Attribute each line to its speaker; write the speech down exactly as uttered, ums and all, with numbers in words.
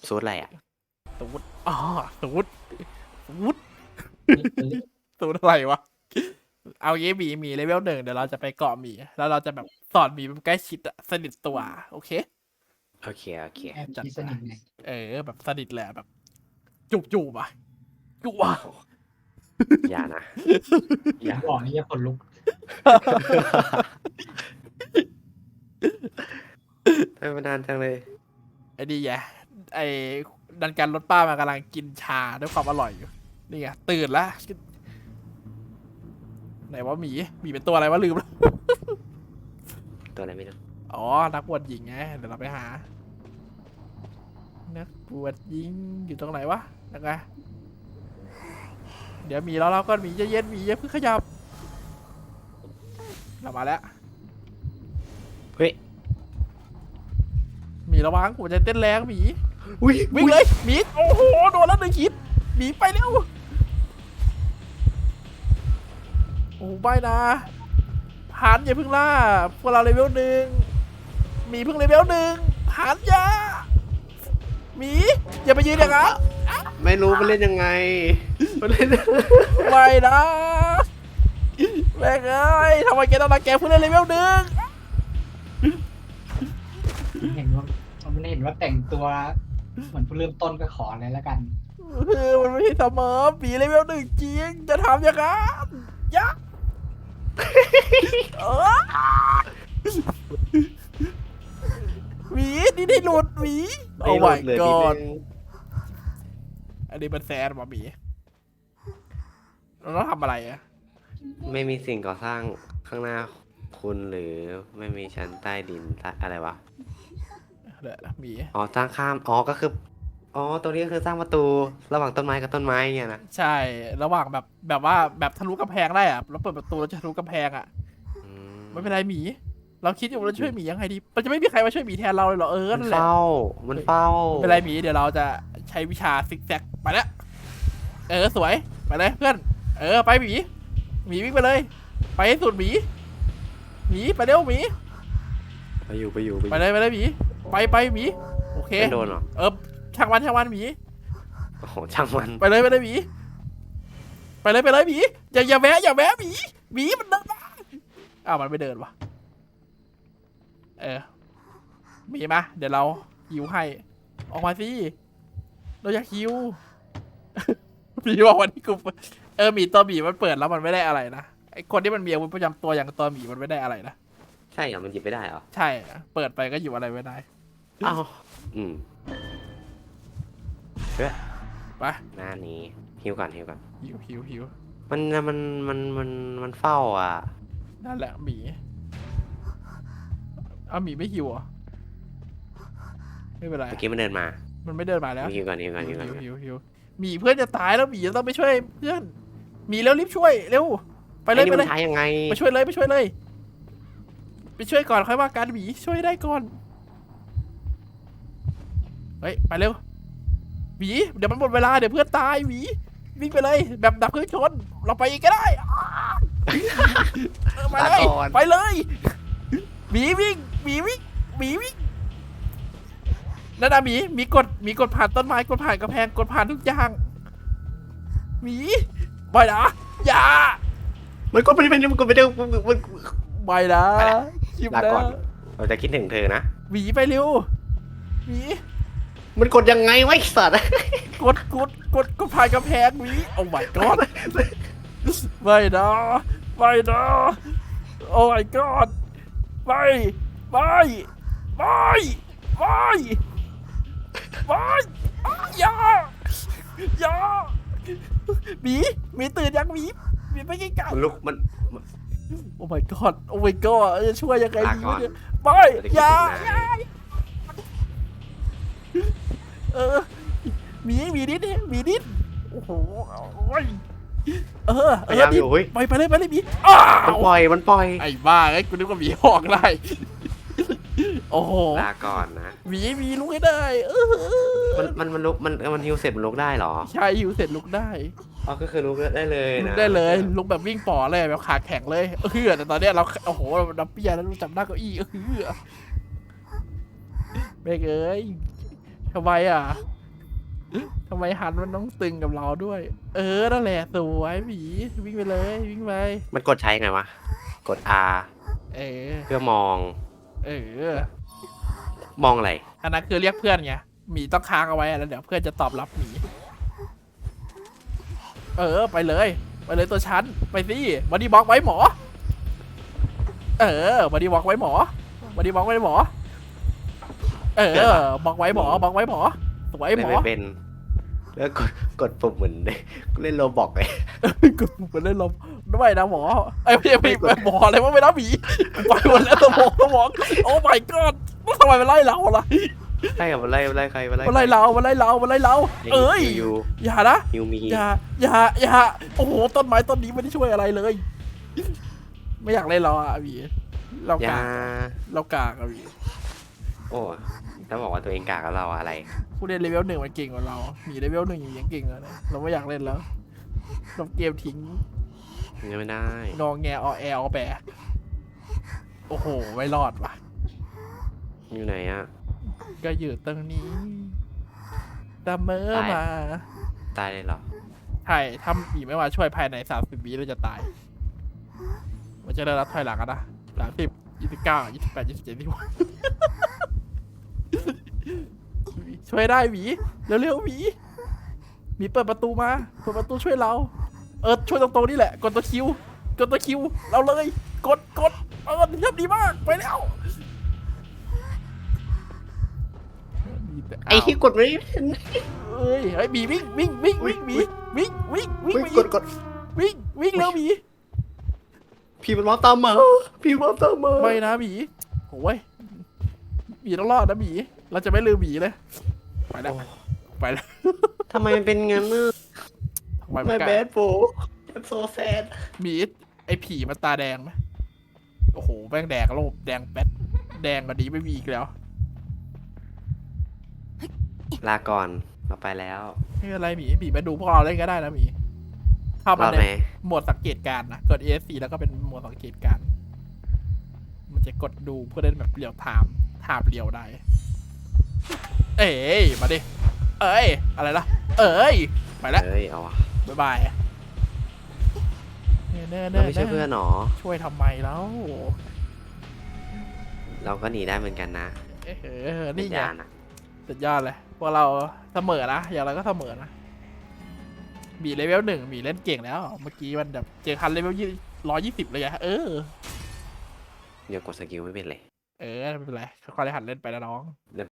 Speaker 1: สูตรอะไรอ่ะ
Speaker 2: สูตรอ๋อสูตรสูตรสูตรอะไรวะเอางี้หมีหมีเลเวลหนึ่งเดี๋ยวเราจะไปเกาะหมีแล้วเราจะแบบสอนหมีแบบใกล้ชิดอะสนิทตัวโอเค
Speaker 1: โอเคโอเค
Speaker 3: แอบ
Speaker 2: จัด
Speaker 3: คิดส
Speaker 2: ไป
Speaker 3: นิทไง
Speaker 2: เออแบบสนิทแหละแบบจูบจูบอะจูบอะ
Speaker 1: โอ้โหอย่านะอย่า
Speaker 3: บอกนี่จะขนลุก
Speaker 1: ทำไมมันนานจังเลย
Speaker 2: ไอ้นี่ไงไอ้ดันการรถป้ามันกำลังกินชาด้วยความอร่อยอยู่นี่ไงตื่นแล้วไหนว่าหมีหมีเป็นตัวอะไรวะลืมแล้ว
Speaker 1: ตัวอะไรไม่รู้
Speaker 2: อ๋อนักบวชหญิงไงเดี๋ยวเราไปหา นักบวชหญิงอยู่ตรงไหนวะนักไงเดี๋ยวหมีแล้วเราก็หมีจะเย็นหมีอย่าเพิ่งขยับเรามาแล้ว
Speaker 1: เฮ้ย
Speaker 2: หมีระวังหัวใจเต้นแรงหมี
Speaker 1: อุ้ย
Speaker 2: วิ่งเลยหมีโอ้โหโดนแล้วหนึ่งคิดหมีไปเร็วโอ้ไม่นะหันอย่าเพิ่งล่าพวกเราเลเวลหนึ่งหมีเพิ่งเลเวลหนึ่งหันอย่าหมีอย่าไปยืนอย่างนั้น
Speaker 1: ไม่รู้มันเล่นยังไงมันเล่น
Speaker 2: ไม่นะแม่งเอ้ยทำไมแกต้องรังแกเพื่อนเล่นเลเวลหนึ่ง
Speaker 3: เห็นว่ามันเห็นว่าแต่งตัวเหมือนผู้เริ่มต้นก็ขอเลยแล้วกัน
Speaker 2: เออมันไม่ใช่เสมอปีเลเวลหนึ่งจริงจะทำอย่างนั้นยักเออหวีนี่ได้หลุดหวีโอ้ my
Speaker 1: เหลือนิด
Speaker 2: god
Speaker 1: นึง
Speaker 2: อันนี้มันแซดว่ะหมีเราต้องทำอะไรอะ
Speaker 1: ไม่มีสิ่งก่อสร้างข้างหน้าคุณหรือไม่มีชั้นใต้ดินอะไรวะ
Speaker 2: เดี๋ยวหมี
Speaker 1: อ๋อสร้างข้ามอ๋อก็คืออ๋อตรงนี้ก็คือสร้างประตูระหว่างต้นไม้กับต้นไม้เงี้ยนะ
Speaker 2: ใช่ระหว่างแบบแบบว่าแบบทะลุกำแพงได้อะแล้วเปิดประตูแล้วจะทะลุกำแพงอะ
Speaker 1: อื
Speaker 2: ไม่เป็นไรหมี เราคิดอยู่ว่าเราช่วยหมียังไงดีมันจะไม่มีใครมาช่วยหมีแทนเราเลยเหรอเออ
Speaker 1: มัน
Speaker 2: นั่นแหละ
Speaker 1: เฝ้ามันเฝ้า
Speaker 2: ไม่เป็นไรหมีเดี๋ยวเราจะใช้วิชาซิกแซกไปแล้วเออสวยไปเลยเพื่อนเออไปหมีหมีวิ่งไปเลย ไปให้สุดหมีหมีไปเร็วหมี
Speaker 1: ไปอยู่ไปอยู่
Speaker 2: ไปเลยไปเลยหมีไปไปหมีโอเค
Speaker 1: ไม่โดนหรอ
Speaker 2: เออช่างมันช่างมันหมี
Speaker 1: โอ้โหช่างมัน
Speaker 2: ไปเลยไปเลยหมีไปเลยไปเลยหมีอย่าอย่าแวะอย่าแวะหมีหมีมันเดินมาอ้าวมันไม่เดินวะเออหมีมาเดี๋ยวเราหิวให้ออกมาสิเราอยากหิว หมีบอกวันนี้กูเออหมีตัวหมีมันเปิดแล้วมันไม่ได้อะไรนะไอคนที่มันมีอาวุธประจำตัวอย่างตัวหมีมันไม่ได้อะไรนะ
Speaker 1: ใช่เหรอมันหยิบไม่ได้เหรอ
Speaker 2: ใช่เปิดไปก็หยิบอะไรไม่ได้
Speaker 1: อ้าวอืมเฮ้ย
Speaker 2: ไป
Speaker 1: หน้านี้ฮิวก่อนฮิวก่อน
Speaker 2: หิวหิวหิว
Speaker 1: มันมันมันมันมันเฝ้าอ่ะ
Speaker 2: นั่นแหละหมีเอาหมีไม่หิวเหรอไม่เป็นไร
Speaker 1: เมื่อกี้มันเดินมา
Speaker 2: มันไม่เดินมาแล้ว
Speaker 1: ฮิวก่อนฮิวก่อนฮิวก่อน
Speaker 2: หิวหิวหิวหมีเพื่อนจะตายแล้วหมีจะต้องไปช่วยเพื่อนหมีแล้วรีบช่วยเร็วไปเลย
Speaker 1: อ้นี่
Speaker 2: ไป
Speaker 1: มัน
Speaker 2: เลย
Speaker 1: ใช้ยังไง
Speaker 2: ไปช่วยเลยไปช่วยเลย ไปช่วยก่อนค่อยว่ากันหมีช่วยได้ก่อนเฮ้ยไปเร็วหมีเดี๋ยวมันหมดเวลาเดี๋ยวเพื่อนตายหมีวิ่งไปเลยแบบดับเครื่องชนเราไปอีกก็ได้อ้าเออมาเลย
Speaker 1: ลาก่อน
Speaker 2: ไปเลยหมีวิ่งหมีวิ่งหมีวิ่งนั่นนะหมีหมีกดหมีกดผ่านต้นไม้กดผ่านกระแพงกดผ่านทุกอย่างหมีไปนะอย่า
Speaker 1: มันก็ไม่เป็นมันก็ไม่ได้มันมัน
Speaker 2: ไปนะ
Speaker 1: ไปละ
Speaker 2: ชิบ
Speaker 1: ลา
Speaker 2: นะ
Speaker 1: ก่อนเราจะคิดถึงเธอนะ
Speaker 2: หมีไปเร็วหมี
Speaker 1: มันกดยังไงวะไอ้สัตว์
Speaker 2: กดกดกดกดผ่านกระแพงหมีโอ้ my god ไม่นะไม่นะโอ้ my god ไม่ไม่ไม่ไม่ไม่อย่าอย่าหมีหมีตื่นยังหมีหมีไปไกล
Speaker 1: มันลุกมัน
Speaker 2: ๆโอ้ my god โอ้ my god จะช่วยยังไง
Speaker 1: ลา
Speaker 2: ดี
Speaker 1: ก่อน
Speaker 2: วะเนี่ยไม่อย่าอย่าเออหมีหมีนิดหมีนิดโอ้โหโอ้ยเออ
Speaker 1: พ
Speaker 2: เอย
Speaker 1: ายาม
Speaker 2: อ
Speaker 1: อ
Speaker 2: ดิ
Speaker 1: ยู่เฮ้ย
Speaker 2: ไปไปเลยไปเลยหมีอ้า
Speaker 1: มัน
Speaker 2: ว
Speaker 1: ปล่อยมันปล่อย
Speaker 2: ไอ้บ้าไอ้กูนึกว่าหมีหอกได้ โอ้โห
Speaker 1: ลาก่อนนะ
Speaker 2: หมีหมีลุกให้ได้เออ
Speaker 1: มันมันมันลุกมันมันฮิวเสร็จมันลุกได้เหรอ
Speaker 2: ใช่หิวเสร็จลุกได้
Speaker 1: อ๋อก็คือลุกได้เลย
Speaker 2: ลุก
Speaker 1: นะ
Speaker 2: ได้เลยลุกแบบวิ่งป่อเลยแบบขาแข็งเลยเออแต่ตอนเนี้ยเราโอ้โหเราดับเบี้ยแล้วเราจับหน้าเก้าอี้เออเบกเอ้ยทำไมอ่ะทำไมฮันมันต้องตึงกับเราด้วย เออนั่นแหละสวยหมีวิ่งไปเลยวิ่งไป
Speaker 1: มันกดใช้ไงวะ กด R
Speaker 2: เออ
Speaker 1: เพื่อมอง
Speaker 2: เออ
Speaker 1: มองอะไร
Speaker 2: อันนั้นคือเรียกเพื่อนไงหมีต้องค้างเอาไว้แล้วเดี๋ยวเพื่อนจะตอบรับหมีเออไปเลยไปเลยตัวชั้นไปสิบอดี้บล็อกไว้หมอ เออบอดี้บล็อกไว้หมอบอดี้บล็อกไว้หมอ เออบล็อกไว้หมอบล็อกไว้หมอสวย
Speaker 1: เล่
Speaker 2: ห
Speaker 1: น
Speaker 2: มอ
Speaker 1: ไม่เป็น แล้วกดกดปุ่มเหมือนเล่นโรบอกเลย
Speaker 2: กดปุ่มไปเล่นลมด้วยนะหมอไอ้ยไม่ไม่ไม่หมออะไรวะไม่รับหมีไปหมดแล้วสมองสมองโอ้ my god ทำไมมันไล่เราล่ะ
Speaker 1: ใช่กับมันไล่มันไล่ใครมันไล่
Speaker 2: มันไล่เรามันไล่เรามันไล่เรา เอ้ย
Speaker 1: ยู
Speaker 2: อย่านะ
Speaker 1: ยูมี
Speaker 2: อย่าอย่าอย่าโอ้โหต้นไม้ต้นนี้ไม่ได้ช่วยอะไรเลย ไม่อยากเล่นเราอ่ะพี่เรา
Speaker 1: ยาก
Speaker 2: ากเรากากอะพี่
Speaker 1: โอ้ถ้าบอกว่าตัวเองกากกับเราอะไร
Speaker 2: ผู้เล่นเลเวลหนึ่งมันเก่งกว่าเรามีเลเวลหนึ่งอยู่ยังเก่งเลยนะเราไม่อยากเล่นแล้วเราเกมทิ้ง
Speaker 1: ยังไม่ได้
Speaker 2: งอแงออแอลแปะโอ้โหไม่รอดว่ะ
Speaker 1: อยู่ไหนอ่ะ
Speaker 2: ก็อยู่ตรงนี้ดำเมอ
Speaker 1: ตาย
Speaker 2: มา
Speaker 1: ตายเลยเหรอ
Speaker 2: ใช่ถ้ามีไม่มาช่วยภายในสามสิบวิเราจะตาย มันจะได้รับถอยหลังกันนะสามสิบยี่สิบเก้ายี่สิบแปดยี่สิบเจ็ดยี่สิบหกช่วยได้หมีเร็วๆหมีหมีเปิดประตูมาเปิดประตูช่วยเรา เออช่วยตรงๆนี่แหละกดตัวคิวกดตัวคิวเราเลยกดกดเออเยี่ยมดีมากไปแล้วมีแต่
Speaker 1: ไอ้ที่กดไม่เป็น
Speaker 2: เอ้ยไอ้หมีวิ่งวิ่งวิ่งวิ่งหมีวิ่งวิ่งวิ่ง
Speaker 1: อุ๊ยกดกด
Speaker 2: วิ่งวิ่งเร็วหมี
Speaker 1: พี่มันมองตามมาพี่มองตามมา
Speaker 2: ไม่นะหมีโอ้ยหมีต้องรอดนะหมีเราจะไม่ลืมหมีเลยไปแล้วไปแล้ว
Speaker 1: ทำไมมันเป็นงั้นน่ะ
Speaker 2: ทำไม
Speaker 1: ไม่
Speaker 2: นกล้า
Speaker 1: แบดโฟโซแซด
Speaker 2: หมีไอ้ผีมันตาแดงไหมโอ้โหแม่งแดงโลบแดงแป๊ดแดงกว่านี้ไม่มีอีกแล้ว
Speaker 1: ลาก่อนเราไปแล้ว
Speaker 2: ไม่เป็นไรหมีหมีมาดูพวกเราเล่นก็ได้นะหมีเข้าร มา
Speaker 1: อด
Speaker 2: ใน
Speaker 1: ไหม
Speaker 2: โหมดสังเกตการณ์นะกด เอ เอส ซี แล้วก็เป็นโหมดสังเกตการณ์มันจะกดดูเพื่อเล่นแบบเรียวไทม์ถามเรียวได้ เอ้ยมาดิเอ้ยอะไรล่ะเอ้ยไปแล้ว
Speaker 1: เฮ้ยเอาวะ
Speaker 2: บ๊ายบายเน่
Speaker 1: เราไม่ใช่เพื่อนหรอ
Speaker 2: ช่วยทำไมแล้ว
Speaker 1: เราก็หนีได้เหมือนกันนะ
Speaker 2: เออนี่ไง
Speaker 1: ยานะ
Speaker 2: สุดยอดเลยพวกเราเสมอนะอย่างไรก็เสมอนะมีเลเวลหนึ่งมีเล่นเก่งแล้ว เมื่อกี้มันแบบเจอคันเลเวลยี่ร้อยยี่สิบเลยอะเออ
Speaker 1: เดี๋ยวกดสกิลไม่เป็นเลย
Speaker 2: เออไม่เป็นไรค่อยๆหัดเล่นไปนะน้อง